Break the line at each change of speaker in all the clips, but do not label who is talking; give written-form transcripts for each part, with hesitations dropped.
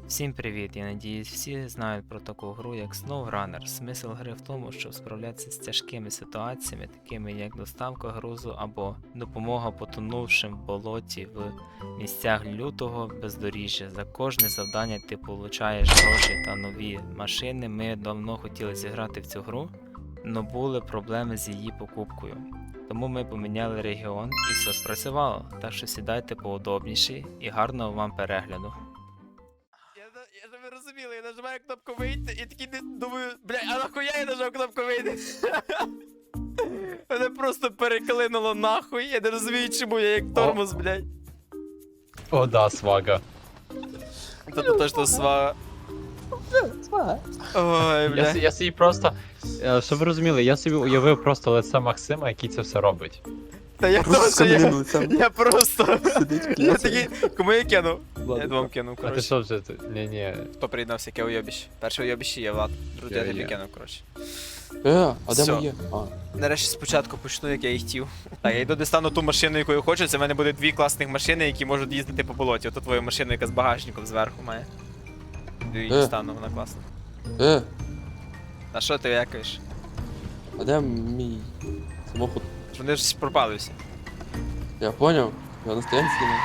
Всім привіт! Я надіюсь, всі знають про таку гру, як SnowRunner. Смисл гри в тому, щоб справлятися з тяжкими ситуаціями, такими як доставка грузу або допомога потонувшим в болоті в місцях лютого бездоріжжя. За кожне завдання ти получаєш гроші та нові машини. Ми давно хотіли зіграти в цю гру, але були проблеми з її покупкою. Тому ми поміняли регіон і все спрацювало. Так що сідайте поудобніше і гарного вам перегляду.
Я ж ви розуміли, я нажимаю кнопку вийти і такий думаю, бля, а нахуя я нажав кнопку вийти? Мене просто переклинуло нахуй, я не розумію, чому я як тормоз, блядь.
О, да, свага.
Та то точно свага. Ой, бля.
Я собі просто. Щоб ви розуміли, я собі уявив просто лице Максима, який це все робить.
Та я
Просто
теж,
кам'яним
я просто.
Сидить
Я
п'яцей.
такий, кому я кинув? Я
Ладно.
двом кинув,
А ти
коротше.
що вже? Ні.
Хто приєднався, яке уйобіще? Перше уйобіще є, Влад. Друге я тобі
Я.
кинув, коротше.
А де
Всьо.
моє?
Нарешті спочатку почну, як я і хотів. Так, я йду дістану ту машину, яку я хочу. Це в мене буде дві класних машини, які можуть їздити по болоті. Ото твоя машина, яка з багажником зверху має. Її дістану, вона класна. А що ти якаєш?
А де мій самохід?
Вони ж пропали всі.
Я поняв. Я на стоянці не.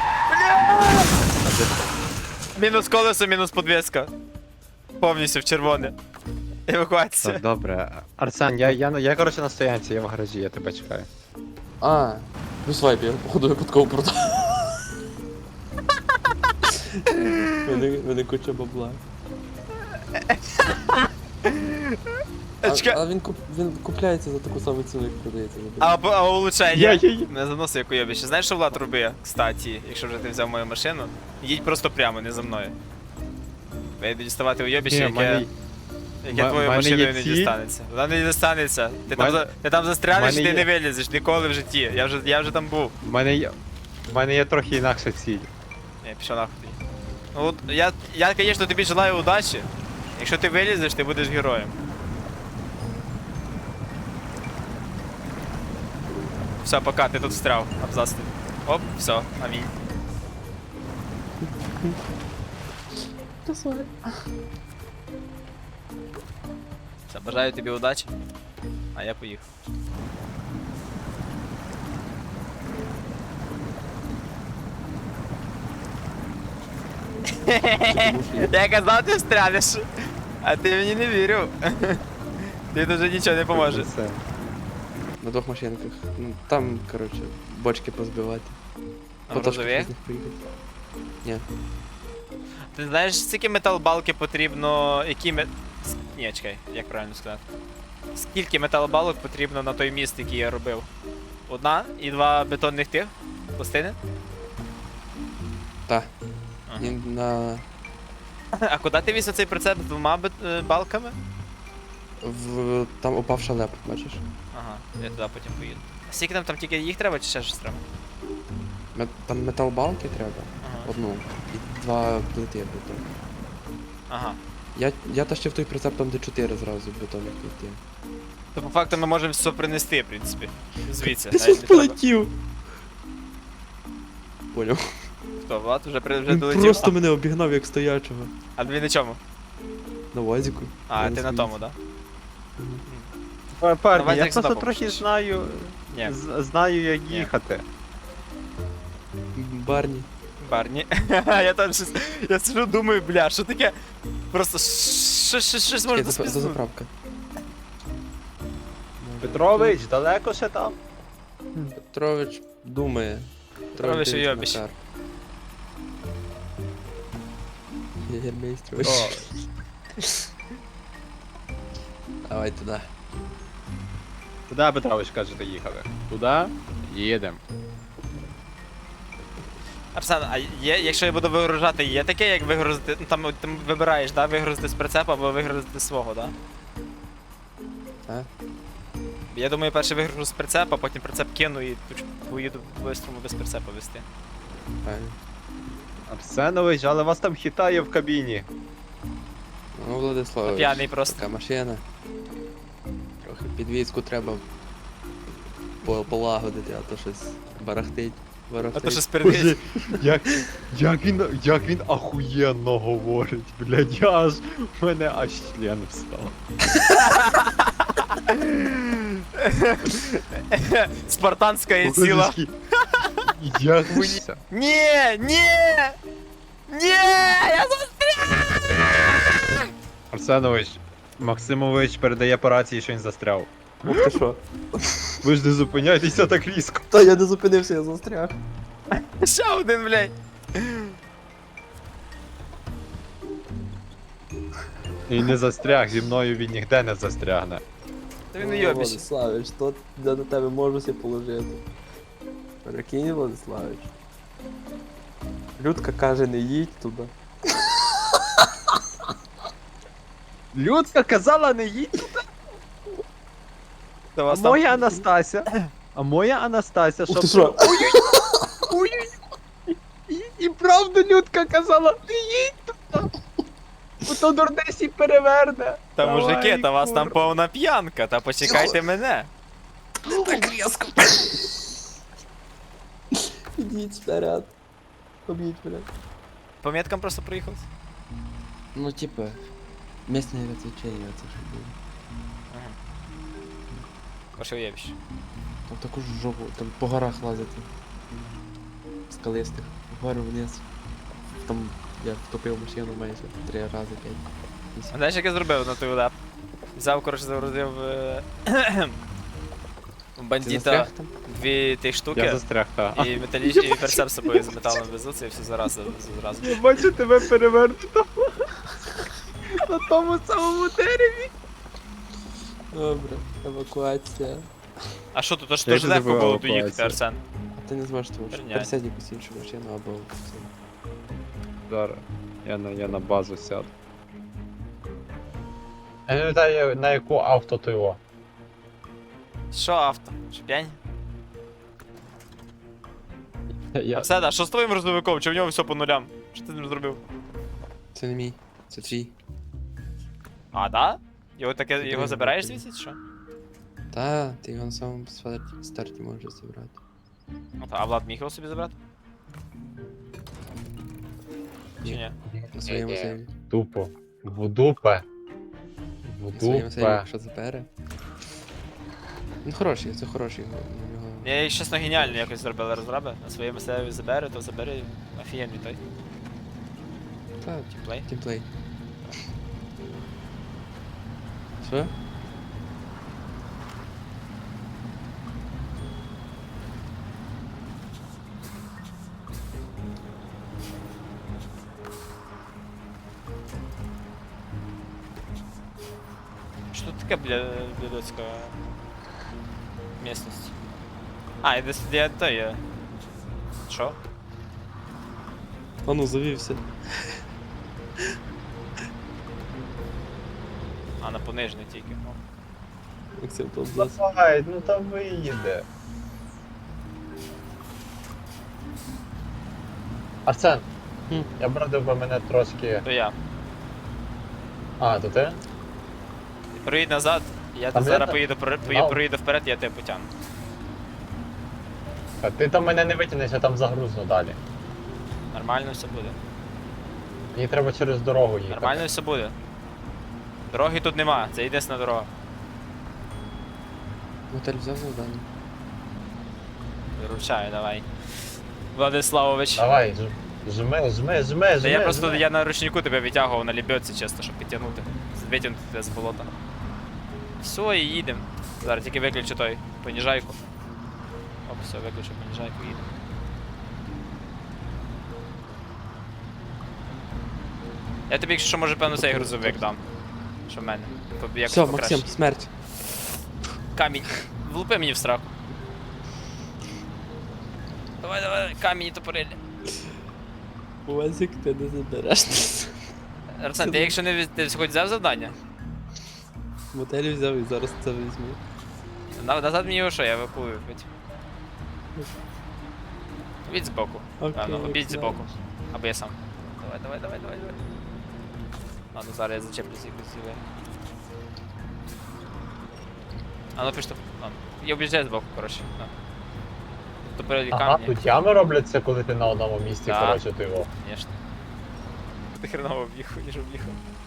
Мінус колесо, мінус подвеска. Повністю в червоне. Евакуація.
Так, добре. Арсен, я коротше на стоянці, я в гаражі, я тебе чекаю.
А, ну свайп, я походу випадково продав. Мене куча бабла.
Чекай.
А він купляється за таку саму ціну, як продається.
А улучшення?
Я.
Не заносив як уйобище. Знаєш, що Влад робив, кстати, якщо вже ти взяв мою машину? Їдь просто прямо, не за мною. Я йду діставати уйобище, яке твоєю
мене
машиною
є
не
ці.
дістанеться. Вона не дістанеться. Ти там застрянеш,
мене
ти не
є.
вилізеш ніколи в житті. Я вже там був.
В мене є трохи інакша ціль.
Ні, пішов нахуй тоді. Ну от я, звісно, тобі желаю удачі. Якщо ти вилізеш, ти будеш героєм. Все, пока, ти тут встряв, абзац. Оп, все, амінь. Все, бажаю тобі удачі. А я поїхав. Я казав, ти встрянеш. А ти мені не вірив. Ти дуже нічого не поможе.
Все.
На двох машинках. Ну, там, коротше, бочки позбивати.
А
Потрошки
розові?
з них поїхати. Ні.
Ти знаєш, скільки металобалки потрібно, Ні, чекай, як правильно сказати. Скільки металобалок потрібно на той міст, який я робив? Одна і два бетонних тих? Пластини?
Та.
Ага.
І на...
А куди ти віз цей прицеп з двома балками?
Там упав шалеп, бачиш?
Ага, я туди потім поїду. А скільки там тільки їх треба чи ще щось треба?
Там металбалки треба.
Ага.
Одну. І два плити бетон.
Ага.
Я тащив той прицеп там, де 4 зразу бетонних плити.
То по факту ми можемо все принести, в принципі. Звідси.
Ти
навіть
ж
не треба.
полетів! Поняв.
Хто, Влад? Вже
Він
долетів?
просто мене обігнав як стоячого.
А він на чому?
На вазіку.
А,
Я
ти на
свій.
тому, да?
Парні,
Давай
я
так
просто
сюди
трохи
попишеш.
знаю.
Ні.
Знаю, як
Ні.
їхати.
Барні.
Барні. Я там щось. Я сижу, думаю, бля, що таке? Просто щось може
Це
спізнути.
заправка.
Петрович, далеко ще там?
Петрович думає.
Петрович
дивиться на
уйобище.
карту. Єгермейстрович.
О,
Давай туди.
туди Петрович, кажете, їхали. Туди? Їдемо.
Арсен, а якщо я буду вигружати, є таке, як вигрузити. Ну там ти вибираєш, да, вигрузити з прицепа або вигрузити свого, да?
А?
Я думаю, перше вигружу з прицепа, потім прицеп кину і поїду бистрому без прицепа вести.
Правильно.
Арсенович, але вас там хитає в кабіні.
Ну, Владиславович.
П'яний просто.
Така машина. Трохи підвізку треба полагодити, а то щось барахтить. Ворог
А то що
стоїть.
Боже,
спередить.
як він ахуєнно говорить, блядь, я аж, в мене аж член встав.
Спартанська сила.
Божечки, як ви...
Ні, ні! Ні! Я
Арсенович, Максимович передає по рації, що він застряв.
Ух ти що?
Ви ж не зупиняйтеся так різко.
Та я не зупинився, я застряг.
Ще один, блядь.
І не застряг, зі мною він ніде не застрягне.
Та він уйобісь.
Владиславич, то я на тебе можу себе положити. Прикинь, Владиславич. Людка каже, не їдь туди.
Людка казала не їдь,
Та
а
вас там...
моя Анастася. А моя Анастася,
Ух ти
що...
що?
Ой-ой-ой. І правда Людка казала, не їдь туди. Бо то дурнесі переверне.
Та
Давай,
мужики, та вас там
кур.
повна п'янка, та почекайте мене.
Так різко. Ідіть вперед. Об'їдь вперед.
По меткам просто проїхав.
Ну, типа, местные развлечения, это же было.
Ваше уєбіще.
Там таку ж жопу, там по горах лазити. Скалистих. Вгору вниз. Там я втопив машину майже 3 рази, 5.
А знаєш, як я зробив на той удар? Взяв, коротше, загрузив у бандита
там?
дві тих
Я
штуки.
застряг, та.
І металічний і перцеп з собою з металом везу, це все зразу.
Я бачу тебе перевернуто. На тому самому дереві.
Добре, евакуація.
А що тут, аж
Як
дуже
ти
легко
зробив
було доїхати,
евакуацію?
Арсен.
А ти не зможеш, тому що
Херня.
пересядь якусь іншу машину або це.
Зараз. Я на базу сяду. Я не пам'ятаю, на яку авто то його.
Що авто? Що п'янь?
Я...
Арсен, а що з твоїм роздовиком? Чи в нього все по нулям? Що ти з ним зробив?
Це не мій, це твій.
А, да? Його таке,
Це
його
твій
забираєш
вибір.
звідси, чи що?
Та, ти його на самому старті можеш забрати.
Ну, та, а Влад міг його собі забрати? Чи ні?
На своєму сейві.
Тупо. В дупе. В
На своєму сейві,
дупе.
якщо забере. Ну хороший, це хороший його.
Я їх чесно геніально якось зробили розраби. На своєму себе забери, то забери офігенний той
Та,
тімплей.
тімплей. Що?
Що тут таке, блядоцька місцевість? А, і десь я той є. Що?
А ну, завівся.
А, на понижний тільки. О.
Максим топ-10.
Давай, ну там виїде. Арсен, я б радив би мене трошки...
То я.
А, то ти?
Проїдь назад, я
Там
зараз
є-
поїду,
Ау.
проїду вперед, я тебе потягну.
А ти там мене не витягнеш, я там загрузну далі.
Нормально все буде.
Мені треба через дорогу їхати.
Нормально все буде. Дороги тут нема, це єдина дорога.
Мотель взяв завдання.
Виручаю, давай. Владиславович.
Давай, жми.
Та я просто я на ручнику тебе витягував на лебедці чисто, щоб підтягнути. Витягнути тебе з болота. Все, і їдемо. Зараз тільки виключу той поніжайку. Оп, все, виключу поніжайку, їдемо. Я тобі, якщо що, може, певно, цей грузовик дам. Що в мене. Як
Все,
покраще.
Максим, смерть.
Камінь. Влупи мені в страху. Давай, камінь і топорилля.
Уазик ти не забереш.
Арсен, ти якщо не ти хоч взяв завдання?
Мотель взяв і зараз це візьму.
Назад мені його що, я евакую хоч. Обідь збоку.
Окей,
Певно, обідь
окей.
збоку. Або я сам. Давай. Ладно, зараз я зачеплюсь якось зіле. А ну пішли. Ладно. Я об'їжджаю збоку, коротше. На. топорі
Ага,
камні.
тут ями робляться, коли ти на одному місці,
Да.
коротше, ти його.
Звісно. Ти хреново об'їхав, ніж об'їхав.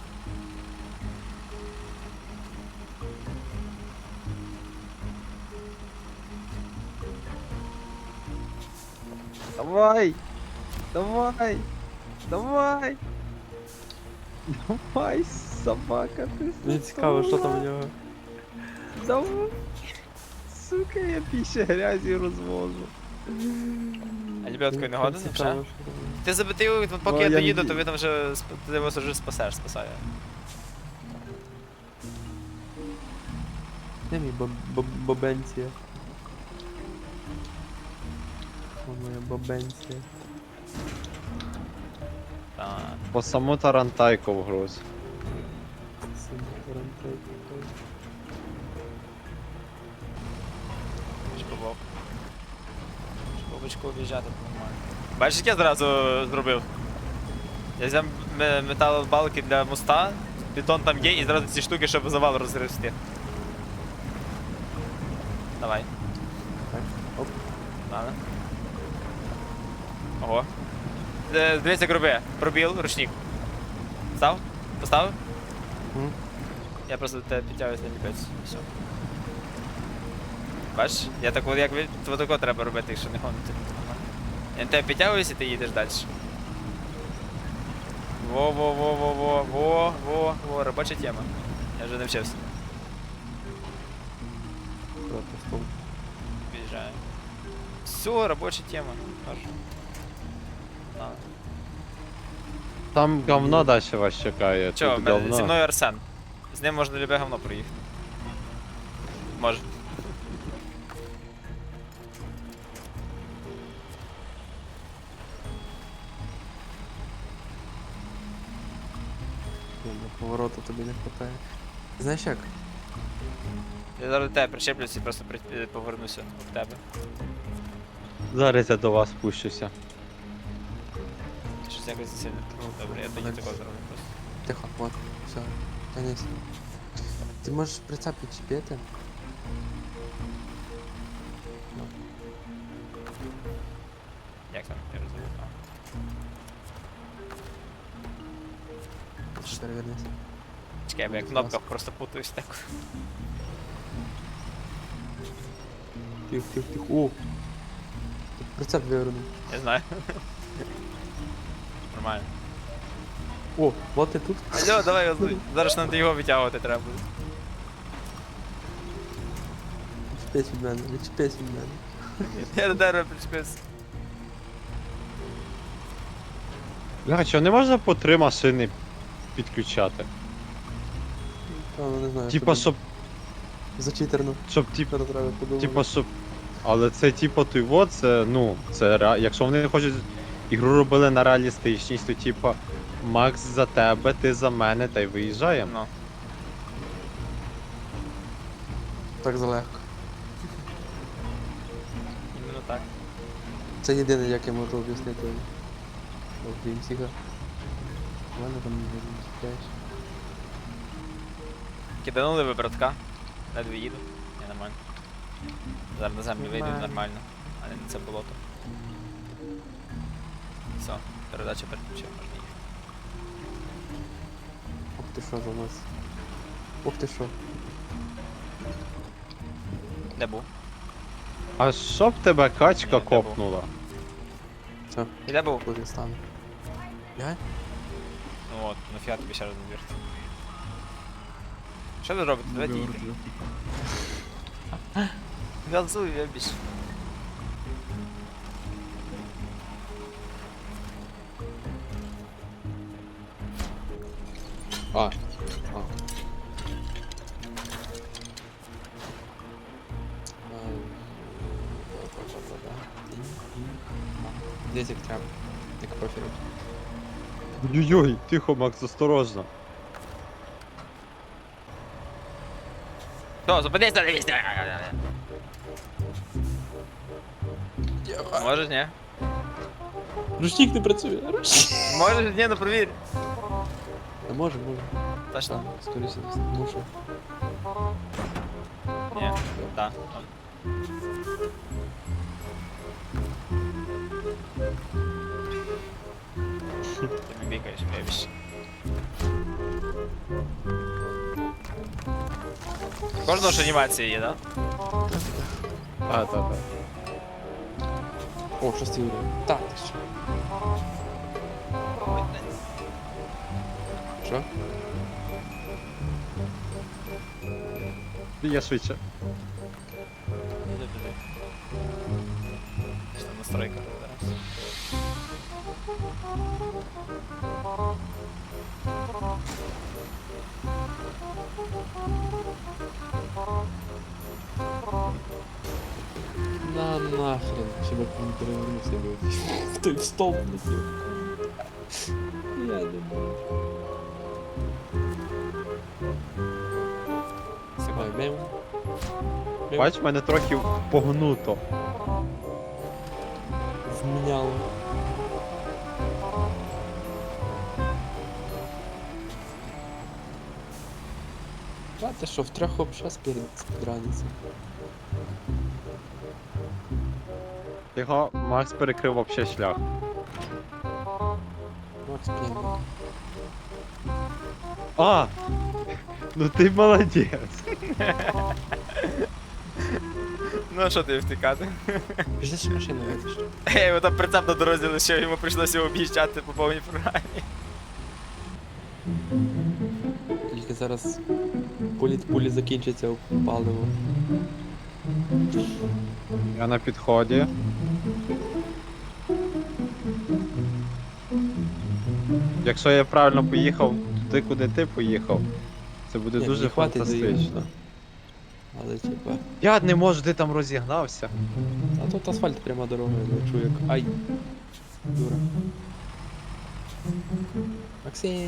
Давай! Давай! Давай! Давай, собака, ти
Мені цікаво, що там у нього.
Давай! Сука, я більше грязі розвожу.
А лебедкою не годен,
Цікаво,
вже?
що там.
Ти забити, поки
Ну,
я
я
доїду,
не-
то ви там вже ти вас вже спасає.
Де мій бобенція? О, моя бобенція.
Так.
По саму тарантайку вгруз.
Шпобок. Шпобочку об'їжджати нормально. Бачиш, як я зразу зробив? Я взяв металобалки для моста, бетон там є, і зразу ці штуки, щоб завал розгрести. Давай.
Так, оп.
Ладно. Ого. Дивись, як роби. Пробіл, ручник. Став? Поставив?
Мгм.
Я просто до тебе підтягуюсь на ліпець. Все. Бачиш? Я так от як тако треба робити, якщо не гонити. Я на тебе підтягуюсь і ти їдеш далі. Во, робоча тема. Я вже навчився.
Просто стол.
Під'їжджаю. Все, робоча тема. Хорошо. На.
Там говно далі вас чекає.
Чо,
тут говно.
зі мною Арсен. З ним можна любе говно проїхати. Може.
До повороту тобі не хватає. Знаєш як?
Я зараз до тебе причеплюсь і просто повернуся до тебе.
Зараз я до вас спущуся.
Щось якось сильно. Добре, я тоді такого зроблю просто.
Тихо, вот, все, тянись. Ти можеш прицеп підчепити?
Як там? Я розумію.
Що перевернись.
Чекай, бо я в кнопках просто путаюсь так.
Тихо. О! Ти прицеп вивернув.
Я знаю. Нормально.
О, вот ти тут.
Алло, давай, зараз нам його витягувати треба буде.
Відчепись від мене, відчепись від мене.
Я до дерева причепився.
Бля, чого не можна по 3 машини підключати?
Ну, не знаю.
Типа,
тобі
щоб,
зачитерно.
типа,
Тепер треба подумати.
типа, щоб... Але це типа той вот, це, ну, це якщо вони хочуть ігру робили на реалістичність, то типа Макс за тебе, ти за мене, та й виїжджаємо.
Ну.
Так залегко.
Іменно так.
Це єдине, як я можу об'яснити. Окрім всіга. У мене там не чіпляєш.
Киданули ви, братка. Ледве їду. Я нормально. Зараз на землю вийду
Нормально.
нормально, а не на це болото. Все, передача переключив, можна їхати.
Ох ти що за нас. Ох ти що.
Де був?
А щоб тебе качка
Ні, де був?
копнула?
Все,
І де був?
коли стану. Я?
Ну от, нафіга тобі ще раз на двірці. Що ви робите? Давайте їдьте. Газую, я більше.
А. Десь як треба. Як профіль.
Ой-ой, тихо, Макс, осторожно.
Все, зупинись, дивись! Можеш, ні?
Ручник не працює. Ручник.
Можеш, ні, ну провір.
А може.
Точно?
Скоріше, мушу.
Ні. Так. побікаєш, вибіж. Кожного ж анімація є, да?
Так.
О, щось ти говорив. Так, ти що? Що?
Я швидше.
Іди. Що там настройка зараз?
На нахрен, щоб я не перевернувся би. Той в столб летів. Я не можу. Ой, мем.
Бач, мене трохи погнуто.
Зміняло. А ти що, в трьох вообще спідраниться?
Його Макс перекрив вообще шлях.
Макс п'яний.
А! Ну ти молодець.
Ну а що ти втікати?
Пішли ще машину витиш.
Я його там прицеп на дорозі лишив, йому прийшлося його об'їжджати по повній програмі.
Тільки зараз політ пулі закінчиться паливо.
Я на підході. Якщо я правильно поїхав туди, куди ти поїхав, це буде
Ні,
дуже
мені хватить
фантастично.
доїхати. Але типа.
Я не можу, ти там розігнався.
А тут асфальт пряма дорога, я чую як. Ай! Дура. Максим!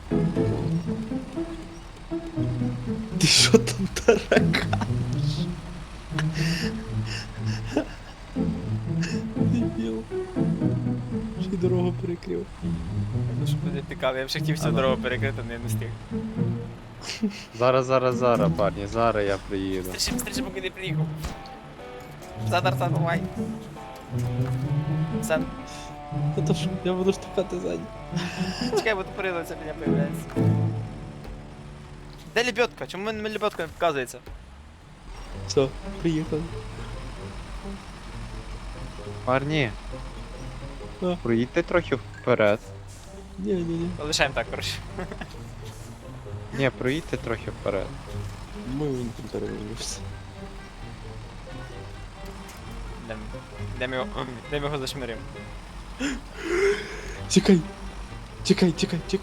Ти що там таракаєш? Дебіл. Ще й дорогу перекрив.
Ну щоб не втікали, я б ще хотів всю дорогу перекрити, не встиг.
Зараз, парні, зараз я приїду.
Стрічі, поки не приїхав. Арсен, давай. Арсен,
А то що, я буду штовхати ззаді.
чекай, бо тупорило це мене появляється. Де лебедка? Чому мені лебедка не показується?
Все, приїхали.
Парні,
А.
проїдьте трохи вперед.
Ні.
Лишаємо так, коротше.
Ні, проїдьте трохи вперед.
Ми він там перевернувся.
Йдемо його зашмиримо.
Чекай! Чекай!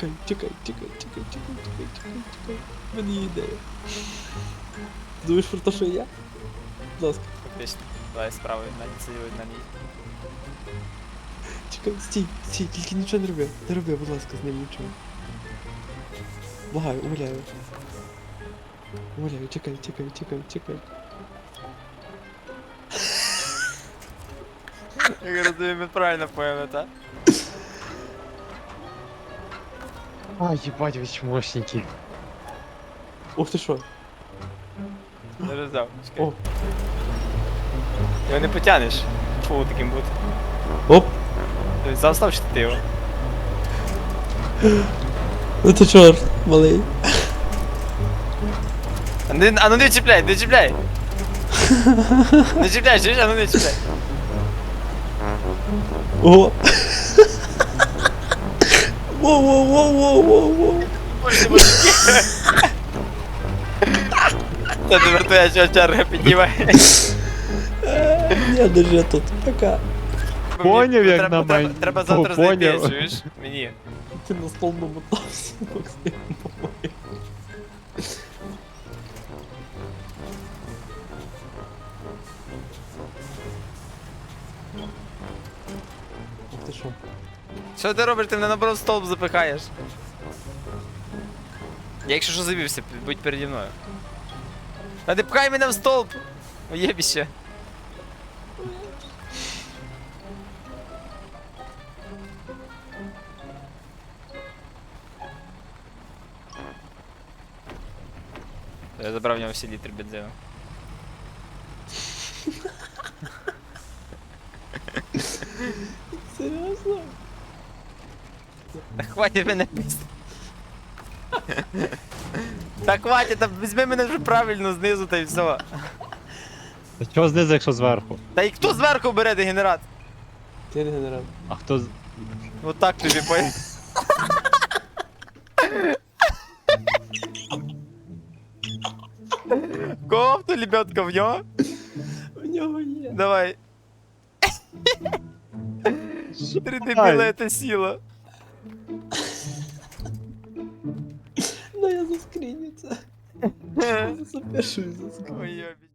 Мені є ідея. Думаєш про те, що я? Будь ласка.
Фактично. Давай справа сиділи на ній.
Чекай, стій, тільки нічого не роби. Не роби, будь ласка, з ним нічого. Благаю, умоляю. Умоляю, чекай.
Я розумію, ми правильно поняли, так?
А, їбать, ви чмошники.
Ух ти що?
Не роздав. Чекай.
О,
Його не потягнеш. Фу, таким бути.
оп!
Тобто заостав чи ти його?
Ну ти чорт, малий.
А ну не чіпляй, не чіпляй! Не чіпляй, чуєш? А ну не чіпляй.
О! Воу!
Боже, мужики. Та тепер твоя черга піднімає.
Я держи тут, пока.
Поняв, як на мене.
Треба завтра знайти,
Поняв.
чуєш? Мені.
Ти на стол намотався, Максим, по-моєму. Ух ти що?
Що ти робиш? Ти мене наоборот в столб запихаєш. Я якщо що завівся, будь переді мною. Та не пхай мене в столб! Уєбіще. Я забрав в нього всі літри бензину.
Серйозно?
Та хватить мене писати. Та хватить, та візьми мене вже правильно знизу та й все.
Та чого знизу, якщо зверху?
Та і хто зверху бере дегенерат?
Ти регенерат.
А хто з.
Отак тобі понял. Кого авто, лебедка, в нього?
У нього є.
Давай. 3 дебіла це сила.
Ну я заскріню це. Я запишу і заскріню.
Ой, йобі.